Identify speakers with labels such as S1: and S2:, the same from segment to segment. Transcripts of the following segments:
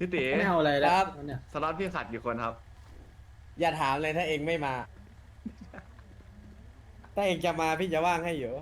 S1: พี่ตี
S2: ไม่เอาอะไรแล้วเนี่ย
S1: สล็อตพี่ขาดกี่คนครับ
S3: อย่าถามเลยถ้าเองไม่มา ถ้าเองจะมาพี่จะว่างให้อยู่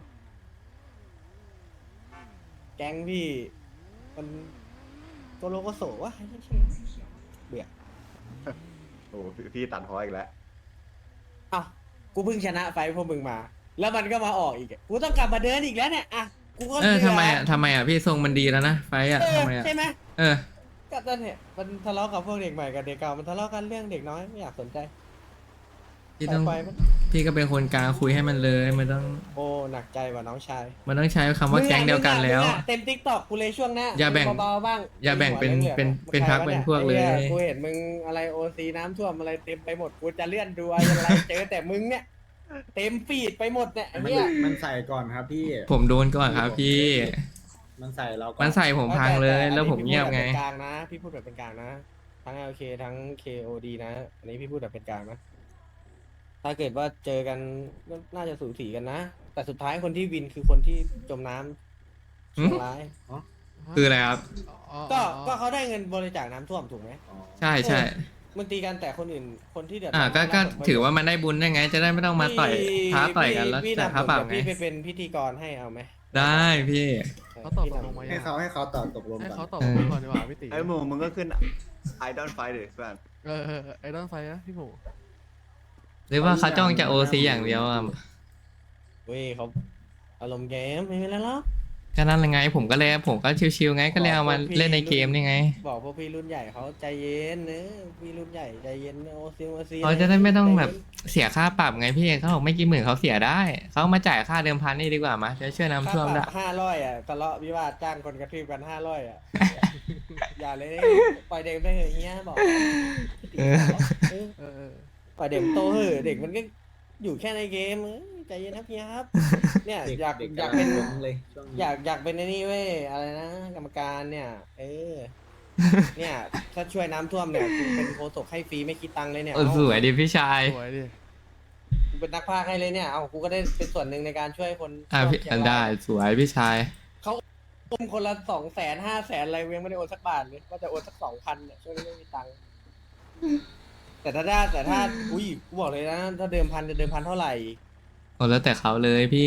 S3: แก๊งพี่มันโกโลโกโสวะเบื่อ
S1: โอ้พี่ตัดพออีกแล้ว
S3: เอ้ากูเพิ่งชนะไฟท์พวกมึงมา แล้วมันก็มาออกอีกอะกูต้องกลับมาเดินอีกแล้วเนี่ยอ่ะกูก็
S4: เออ
S3: เบื่
S4: ทำไมอ่ะพี่ทรงมันดีแล้วนะไฟอ่ะ
S3: เออ
S4: ทำไมอ่ะ
S3: ใช่ไหม
S4: เออ
S3: ก็ตอนเนี่ยมันทะเลาะกับพวกเด็กใหม่กับเด็กเก่ามันทะเลาะกันเรื่องเด็กน้อยไม่อยากสนใจ
S4: พี่ต้อง
S3: ไปมัน
S4: พี่ก็เป็นคนกลางคุยให้มันเลยมันต้อง
S3: โอ้หนักใจว่ะน้องชาย
S4: มันต้องใช้คำว่าแก๊งเดียวกันแล้ว
S3: มึงอะเต็มทิกตอกกูเลยช่วงหน้า
S4: อย่าแบ่ง
S3: เบาๆบ้าง
S4: อย่าแบ่งเป็น
S3: หัวหลืองๆ
S4: เป็นพรรคเป็นพวกเลย
S3: ไอ้หี้กูเห็นมึงอะไรโอซีน้ำท่วมอะไรเต็มไปหมดกูจะเลื่อนดูอะไรเจอแต่มึงเนี่ยเต็มฟีดไปหมดเนี่ยไอ้
S2: มัน
S3: เนี่ย
S2: มันใส่ก่อนครับพี่
S4: ผมโดนก่อนครับพี่
S2: มันใส่เราก่อน
S4: มันใส่ผมพังเลยแล้วผมเงียบไง
S3: พี่พูดแบบเป็นกลางนะทั้ง LK ทั้ง KOD นะอันนี้พี่พูดแบบเป็นกลางนะถ้าเกิดว่าเจอกันก็น่าจะสูสีกันนะ แต่สุดท้ายคนที่วินคือคนที่จมน้ำ
S4: หืม
S3: ชั่วร้าย
S4: คืออะไรครับ
S3: ก็เขาได้เงินบริจาคน้ำท่วมถูกไหม
S2: อ๋อ
S4: ใช่ใช่
S3: มันตีกันแต่คนอื่นคนที่เดือด
S4: ก็
S3: ร้น
S4: ถือว่ามันได้บุญได้ไง จะได้ไม่ต้องมาต่อยท้าต่อยกันแล้ว
S3: พี่
S4: แต่
S3: นำ
S4: ท้าเปล่า
S3: ผม
S4: ไง
S3: พี่ไปเป็นพิธีกรให้เอาไหม
S4: ได้พี่
S5: เขาตอบตกลงมา
S2: ให้เขาตอบตกลง
S5: ให้
S2: ก่
S5: เขา
S2: อน
S5: ตอบตกลงก่อนดีกว่าพี่ตี
S1: ไอ้หมูมึงก็ขึ้นไอดอลไฟเด็กเพื่อน
S5: ไอ้ด้านไฟนะพี่หมู
S4: หรือว่าเขาจ้องจะโอซีอย่างเดียวอ่ะ
S3: เว้ยเขาอารมณ์เกมไม่เป็นไรหรอก
S4: ก็นั่นไงผมก็ชิวๆไงก็เลยเอามาเล่นในเกมนี่ไง
S3: บอกพวกพี่รุ่นใหญ่เขาใจเย็นเนอะพี่รุ่นใหญ่ใจเย็นโอซี
S4: เขาจะได้ไม่ต้องแบบเสียค่าปรับไงพี่เขาบอกไม่กี่หมื่นเขาเสียได้เขามาจ่ายค่าเดิมพันนี่ดีกว่ามาจะช่วยน้ำท่วมได้
S3: 500อ่ะทะเลาะวิวาทจ้างคนกระทืบกัน500อ่ะ อย่าเลยปล่อยเด็กไปเถอะเฮียบอก
S4: เออ
S5: เออ
S3: ปล่อยเด็กมันโตเหอะเด็กมันก็อยู่แค่ในเกมใจเย็นนะพี่ครับ เนี่ย
S2: เด็ก
S3: อยาก
S2: เด็ก
S3: อยาก
S2: กำลั
S3: เป็น
S2: งหลงเลยช่วงนี้
S3: อยากเป็นไอ้นี่เว้ยอะไรนะกรรมการเนี่ย เนี่ยถ้าช่วยน้ำท่วมเนี่ยกูเป็นโฆษกให้ฟรีไม่คิดตังค์เลยเนี่ย
S4: เออสวยดิพี่ชาย
S5: สวยดิ
S3: กูเป็นนักพากย์ให้เลยเนี่ยเอากูก็ได้เป็นส่วนหนึ่งในการช่วยคน
S4: พี่
S3: เชียงราย
S4: ได้สวยพี่ชาย
S3: โอนคนละ200,000 500,000อะไรเวียงไม่ได้โอนสักบาทเลยก็จะโอนสัก2,000เนี่ยช่วงนี้ไม่มีตังค์แต่ถ้าอุ้ยกูบอกเลยนะถ้าเดิมพันจะเดิมพันเท่าไหร่
S4: โอ้แล้วแต่เขาเลยพี่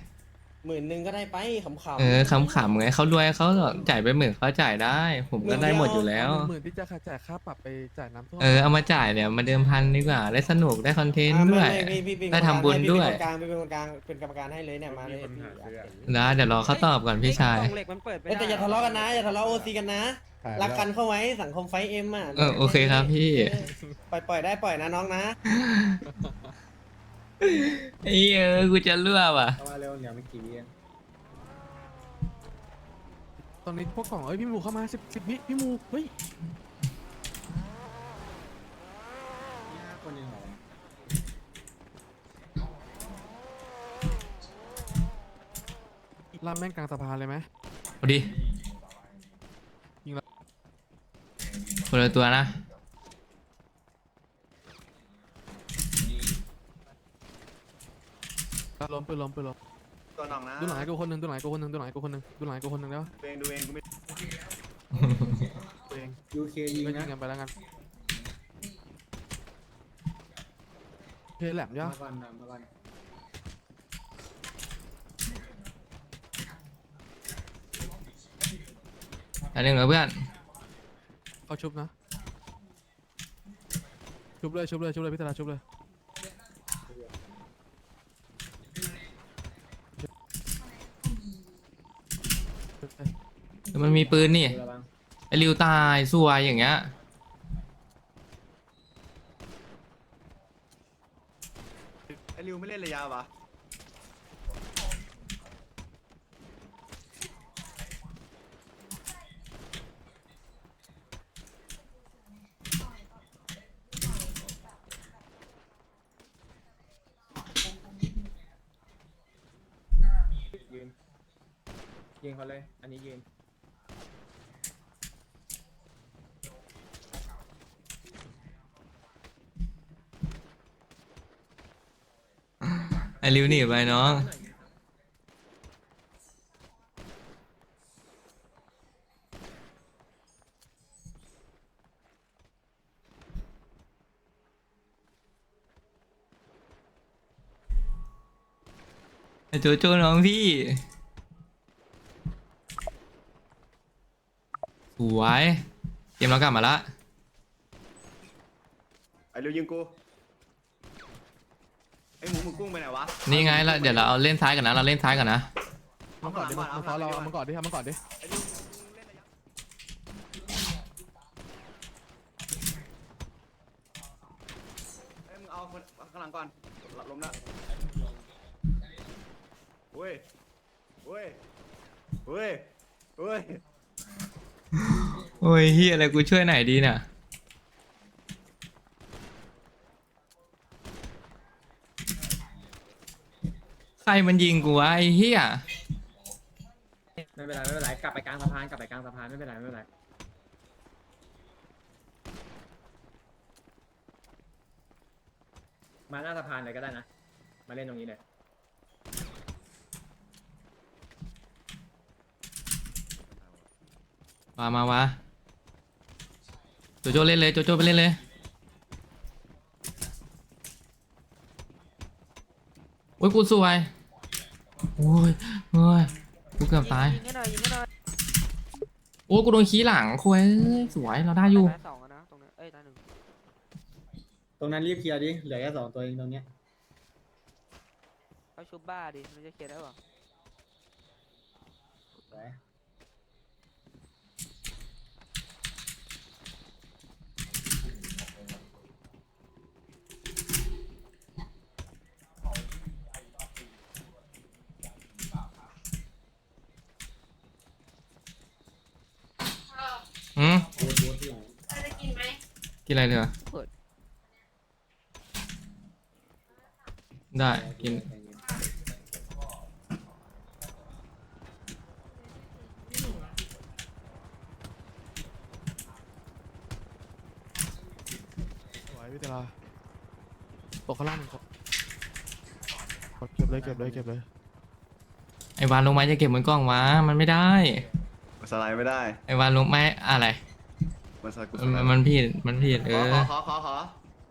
S3: 10,000ก็ได้ไปขำๆ
S4: เออขำๆไงเขารวยเขาจ่ายไป10,000เขาจ่ายได้ ผมก็ได้หมดอยู่แล้ว
S5: หมื่นที่จะจ่ายค่าปรับไปจ่ายน้ำท่วม
S4: เอามาจ่ายเนี่ยมาเดิมพันดีกว่าได้สนุกได้คอนเทนต์
S3: อ่ะ
S4: ด้วย
S3: ไม่พี่เป็น
S4: ได้ทำบุญด้วย
S3: พี่เป็นคนกลางเป็นคนกลางเป็นกรรมการให้เลยเนี่ยมาเลยพี่อยากเห็น
S4: นะเดี๋ยวรอเขาตอบก่อนพี่ชาย
S6: กล่องเหล็กมันเปิดไม่
S3: เอ้ย
S6: ได้
S3: แต่อย่าทะเลาะกันนะอย่าทะเลาะโอซีกันนะรักกันเข้าไว้สังคมไฟเอ็มอ่ะ
S4: โอเคครับพี่
S3: ปล่อยได้ปล่อยนะน้องนะ
S4: กูจะเลือกว่ะ
S2: เข้ามาเร็วเดี๋ยวไม่กี่วิเอง
S5: ตอนนี้พวกกล่องพี่หมูเข้ามา10 วิพี่หมูเฮ้ย
S2: นี่5 คนยังเหรอ
S5: ล่ามแม่งกลางสะพานเลยไหม
S4: เอาดิ
S5: ยิงแล้ว
S4: คนละตัวนะ
S5: ล้มปืนล้ม
S1: ตัวน้องนะ
S5: ดูหลังให้กูคนหนึ่งดูหลังให้กูคนหนึ่งดูหลังให้กูคนหนึ่งดูหลังให้กูคนหนึ่งแล้ว
S1: ดูเองกูไม่
S5: ตัวเอง
S2: ยูเคยิง
S5: ก็ยิ
S2: นะ
S5: งกันไปแล้วกันเพลแหลมย่ะ
S2: มาก่อนมาก่อน
S4: อันหนึ่งเหรอเพื่อน
S5: เขาชุบนะชุบเลยพี่ตาชุบเลย
S4: แต่มันมีปืนนี่
S2: ระวัง
S4: ไอริวตายสวยอย่างเงี้ย
S1: ไอ้ริวไม่เล่นระยะวะ
S2: ยิงเขาเลย อันนี้ยิง
S4: ไอริวหนีไปน้องไอ้โจโจ้น้องพี่สวยเกมเรากลับมาละ
S1: ไอ้เร็วยิงกูไอ้หมูมึงกุ้งไปไหนวะ
S4: นี่ไงละเดี๋ยวเราเอาเล่นซ้ายกันนะเราเล่นซ้ายกันนะ
S5: มันก่อนดิมันซ้อนเราเอามันก่อนดิเอามันก่อนดิ
S1: ไอ้เร็วมึงเล่นระยะเอ้ยมึงเอาคนข้างหลังก่อนหลับลมละเว้ยเว้ยเว้ยเว้ย
S4: โอ้ยเฮียอะไรกูช่วยไหนดีเนี่ยใครมันยิงกูวะไอ้เฮีย
S2: ไม่เป็นไรไม่เป็นไรกลับไปกลางสะพานกลับไปกลางสะพานไม่เป็นไรไม่เป็นไรมาหน้าสะพานเลยก็ได้นะมาเล่นตรงนี้เลย
S4: มาวะโจโจ้เล่นเลยโจโจ้ไปเล่นเลยโอ้ยกูสวยโอ้ยโอ้ยกูเกือบตาย
S6: ยิงให้หน่อยยิงให้หน่อย
S4: โอ้กูโดนขี้หลังคุยสวยเราได้อยู่
S6: ตายสองอะนะตรงนี้เอ้ยตายหนึ่ง
S2: ตรงนั้นรีบเคลียร์ดิเหลือแค่2 ตัวเองตรงเนี้ย
S6: เขาชุบบ้าดิมันจะเคลียร์ได้ป่ะ
S2: สวย
S4: อืม
S2: บูทบูทที่หลัง
S4: กินอะไรเถอะได้กิน
S5: สวยพี่เตลาตกข้างล่างหนึ่งครับเก็บเลยเก็บเลยเก็บเลย
S4: ไอวานลงไม้จะเก็บบนกล้องวะมันไม่ได้
S1: มันสไลด์ไม่ได้
S4: ไอวานลงไม้อะไร
S1: มันสไลด์กูส
S4: มัน
S1: ไลด์
S4: มันผิดมันผิด
S1: ขอ
S4: เออ
S1: ขอ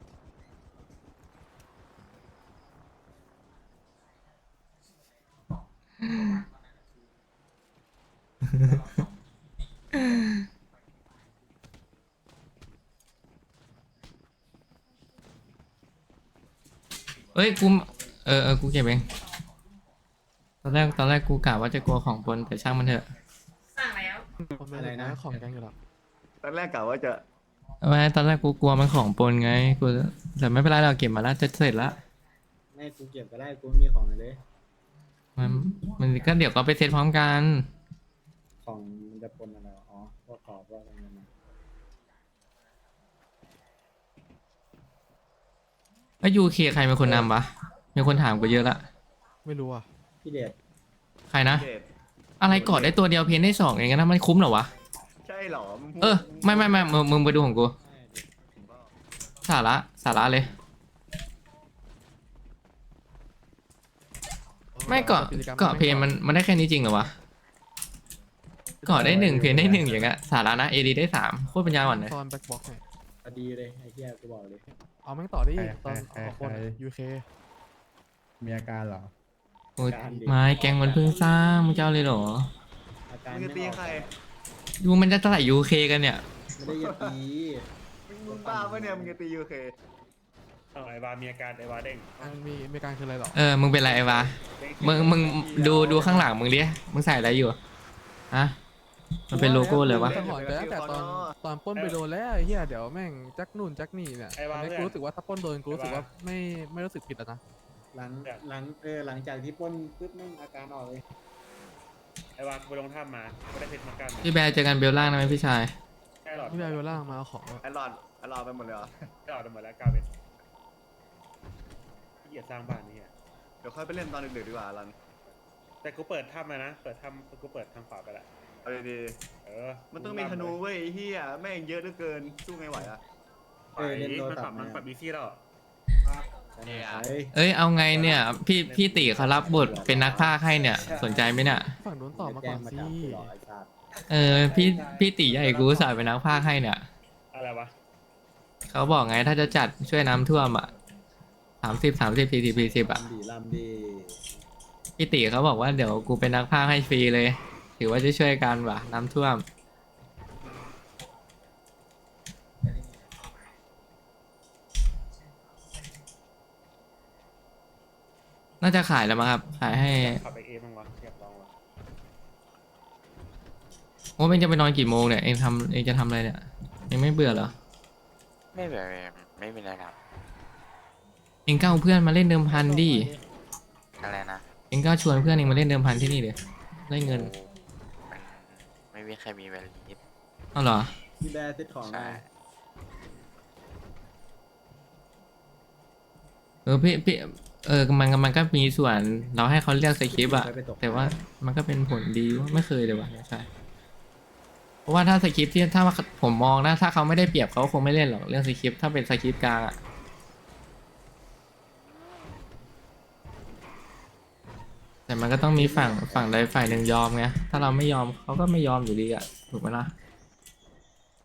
S4: เอ้ยกูกูเก็บเองตอนแรกกูกะว่าจะกลัวของปนแต่ช่างมันเถอะ
S5: คนไม่ได้นะของแกงอยู่แล้ว
S1: ตอนแรกกะว่าจะ
S4: ไม่ตอนแรกกูกลัวมันของปนไงกูแต่ไม่เป็นไรเราเก็บมาแล้วจะเสร็จละ
S2: ไม่กูเก็บก็ได้กูไม่มีของเลย
S4: มันมันก็เดี๋ยวก็ไปเซตพร้อมกัน
S2: ของมันจะปนอะไรวะอ๋อพวกขอบพวกอะไรนั่นนะ
S4: แล้วยูเคใครเป็นคนนำวะมีคนถามกูเยอะละ
S5: ไม่รู้อ่ะ
S2: พี่เดช
S4: ใครนะ
S1: เด็ด
S4: อะไรกอดได้ตัวเดียวเพนได้2เองนะมันคุ้มเหรอวะ
S1: ใช่เหรอมึงพูด
S4: เออไม่มึงไปดูของกูสาระเลยไม่เกาะเพนมันได้แค่นี้จริงเหรอวะเกาะได้1เพนได้1อย่างเงี้ยสาระนะเอดีได้3โคตรปัญญาอ่อนเลย
S5: ตอนแบ็คบ็อกซ์เนี่ย
S2: พอดีเลยไอ้เหี้ยกูบอกเลย
S5: เอาแม่งต่อได้อีกตอนออกคนยูเค
S7: มีอาการเหรอ
S4: โอ้ยไม้แกงมันเพิ่งสร้างมึงจะเอาเลยเหรอ
S2: อาการ
S1: มึงจะตีใคร
S4: ยูมันจะเท่าไหร่ยูเคกันเนี่ย
S2: ไม่ได้จะตี
S1: มึงบ้าปะเนี่ยมึงจะตียูเค
S7: ไอวามีอาการไอวาเด้ง
S5: มันมีการคืออะไรหรอ
S4: มึงเป็นไรไอ้วะมึงดูข้างหลังมึงดิมึงใส่อะไรอยู่ฮะมันเป็นโลโก้เลยวะ
S5: สังหรณ์ไปตั้งแต่ตอนปล้นไปโดนแล้วไอ้เหี้ยเดี๋ยวแม่งจักนู่นจักนี่เนี่ยตอนนี้กูรู้สึกว่าถ้าปล้นโดนกูรู้สึกว่าไม่รู้สึกผิดแล้วนะ
S2: หลังจากที่ปล้นปุ๊บแม่งอาการออกเลย
S7: ไอวาไปลงถ้ำมาก็ได้เพชรเหมือนกัน
S4: พี่แบร์เจอกันเบลล่างนะไหมพี่ชาย
S7: แค่หลอด
S5: พี่แบร์เวลล่างมาเอาของอะ
S1: ไอ้หลอดไปหมดเลยเหรอ
S7: แค่หลอดหมดแล้ว9เพชรที่เหยียดสร้างบ้านนี่อ่ะ
S1: เดี๋ยวค่อยไปเล่นตอนดึกๆดีกว่ารัน
S7: แต่กูเปิดถ้ำมานะเปิดถ้ำกูเปิดทางขวาไปละ
S1: เอาดี
S7: มัน
S1: ๆต้องมีธนูเว้ยไอ้เฮียแม่งเยอะเหลือเกินสู้ไงไหวอะ
S2: เล่นโทร
S7: มัน
S2: ศั
S7: ปรั
S2: พ
S7: บ
S2: ท์
S7: มันปรับบีซี่แล้ว
S4: เอ้ยเอาไงเนี่ยพี่ติเขารับบทเป็นนักพากย์ให้เนี่ยสนใจไหมเนี่ย
S5: ฝั่งนู้นต่อมาก่อนสิ
S4: พี่ติใหญ่กูสายเป็นนักพากย์ให้เนี่ย
S7: อะไรวะ
S4: เขาบอกไงถ้าจะจัดช่วยน้ำท่วมอ่ะ30 40 40อ่ะ
S2: ลำดี
S4: พี่ติเขาบอกว่าเดี๋ยวกูเป็นนักพากย์ให้ฟรีเลย ถือว่าจะช่วยกันว่ะน้ำท่วม น่าจะขายแล้วมั้งครับ ขายให้
S7: ขับไปเอบ้างวะอยากลองวะ
S4: โอ้เองจะไปนอนกี่โมงเนี่ย เองจะทำอะไรเนี่ย เองไม่เบื่อเหรอ
S8: ไม่แบบไม่มีอะไรครับ
S4: เองก็เอาเพื่อนมาเล่นเดิมพันดิ
S8: อะไรนะ
S4: เองก็ชวนเพื่อนเองมาเล่นเดิมพันที่นี่เดี๋ยวได้เงิน
S8: มันไม่มีใครมีเวลาลิฟ
S4: เอาเหรอ
S1: พี่แบร์เซ็ตของ
S8: ใช่
S1: ได้
S4: พี่มันก็มีส่วนเราให้เขาเลือกสคริปต์อะแต่ว่ามันก็เป็นผลดีว่าไม่เคยเลยว่ะใช่เพราะว่าถ้าสคริปต์ที่ถ้าผมมองนะถ้าเขาไม่ได้เปรียบเขาคงไม่เล่นหรอกเรื่องสคริปต์ถ้าเป็นสคริปต์กลางอะแต่มันก็ต้องมีฝั่งใดฝ่ายหนึ่งยอมไงถ้าเราไม่ยอมเขาก็ไม่ยอมอยู่ดีอะถูกไหมล่ะ